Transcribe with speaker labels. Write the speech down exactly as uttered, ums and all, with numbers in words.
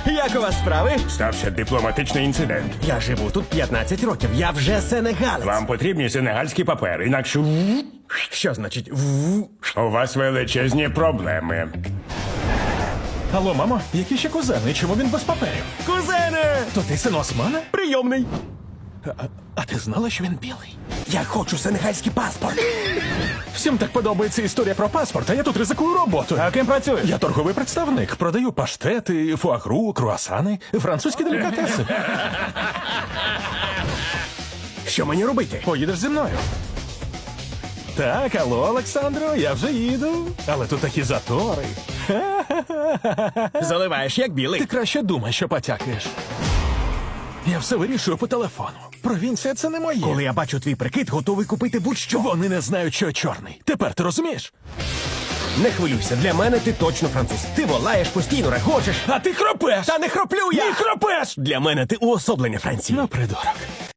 Speaker 1: Як у вас справи?
Speaker 2: Стався дипломатичний інцидент.
Speaker 1: Я живу тут п'ятнадцять років, я вже сенегалець.
Speaker 2: Вам потрібні сенегальські папери, інакше
Speaker 1: Що значить в?
Speaker 2: у вас величезні проблеми.
Speaker 3: Алло, мамо, які ще кузени? Чому він без паперів?
Speaker 1: Кузене!
Speaker 3: То ти син Османа?
Speaker 1: Прийомний.
Speaker 3: А, а ти знала, що він білий?
Speaker 1: Я хочу сенегальський паспорт.
Speaker 3: Всім так подобається історія про паспорт, а я тут ризикую роботою.
Speaker 1: А ким працюєш?
Speaker 3: Я торговий представник, продаю паштети, фуагру, круасани, французькі делікатеси.
Speaker 1: Що мені робити?
Speaker 3: Поїдеш зі мною. Так, алло, Олександро, я вже їду. Але тут такі затори.
Speaker 1: Заливаєш як білий.
Speaker 3: Ти краще думай, що потякаєш. Я все вирішую по телефону. Провінція — це не моє.
Speaker 1: Коли я бачу твій прикид, готовий купити будь-що.
Speaker 3: Вони не знають, що я чорний. Тепер ти розумієш?
Speaker 1: Не хвилюйся, для мене ти точно француз. Ти волаєш, постійно регочеш.
Speaker 3: А ти хропеш!
Speaker 1: Та не хроплю я!
Speaker 3: Не хропеш!
Speaker 1: Для мене ти уособлення Франції.
Speaker 3: Ну, придурок.